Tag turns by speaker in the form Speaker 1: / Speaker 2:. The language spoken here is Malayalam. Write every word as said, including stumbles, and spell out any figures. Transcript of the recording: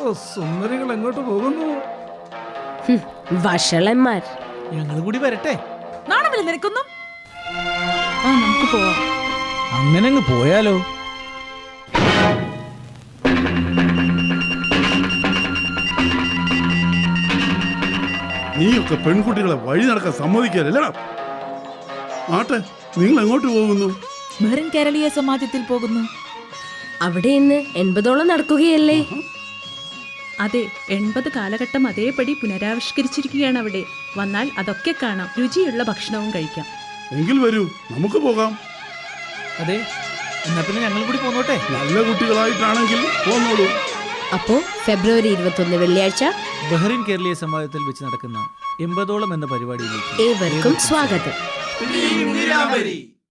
Speaker 1: സുന്ദരികൾ എങ്ങോട്ട് പോകുന്നു?
Speaker 2: വഷളന്മാർ.
Speaker 3: ഞങ്ങൾ കൂടി വരട്ടെ.
Speaker 4: നാണമില്ല നിനക്കൊന്നും. ആ നമുക്ക് പോവാം.
Speaker 3: അങ്ങനെ അങ്ങ് പോയാലോ?
Speaker 5: നീയൊക്കെ പെൺകുട്ടികളെ വഴി നടക്കാൻ സമ്മതിക്കാറില്ലടാ. ആട്ടെ, നിങ്ങൾ എങ്ങോട്ട് പോകുന്നു?
Speaker 4: മെറിൻ കേരളീയ സമാജത്തിൽ പോകുന്നു.
Speaker 2: അവിടെ ഇന്ന് എൺപതോളം നടക്കുകയല്ലേ?
Speaker 6: അതെ, എൺപത് കാലഘട്ടം അതേപടി പുനരാവിഷ്കരിച്ചിരിക്കുകയാണ് അവിടെ. വന്നാൽ അതൊക്കെ കാണാം, രുചിയുള്ള ഭക്ഷണവും കഴിക്കാം.
Speaker 5: എങ്കിൽ വരൂ, നമുക്ക് പോകാം.
Speaker 3: അതെ, എന്നാ പിന്നെ ഞങ്ങൾ കൂടി പോന്നോട്ടെ.
Speaker 5: നല്ല കുട്ടികളായിട്ടാണെങ്കിൽ പോന്നോളൂ.
Speaker 2: അപ്പോ ഫെബ്രുവരി ഇരുപത്തൊന്ന് വെള്ളിയാഴ്ച
Speaker 3: ബഹ്റിൻ കേരളീയ സമാജത്തിൽ വെച്ച് നടക്കുന്ന എൺപതോളം എന്ന പരിപാടിയിലേക്ക്
Speaker 2: ഏവർക്കും സ്വാഗതം.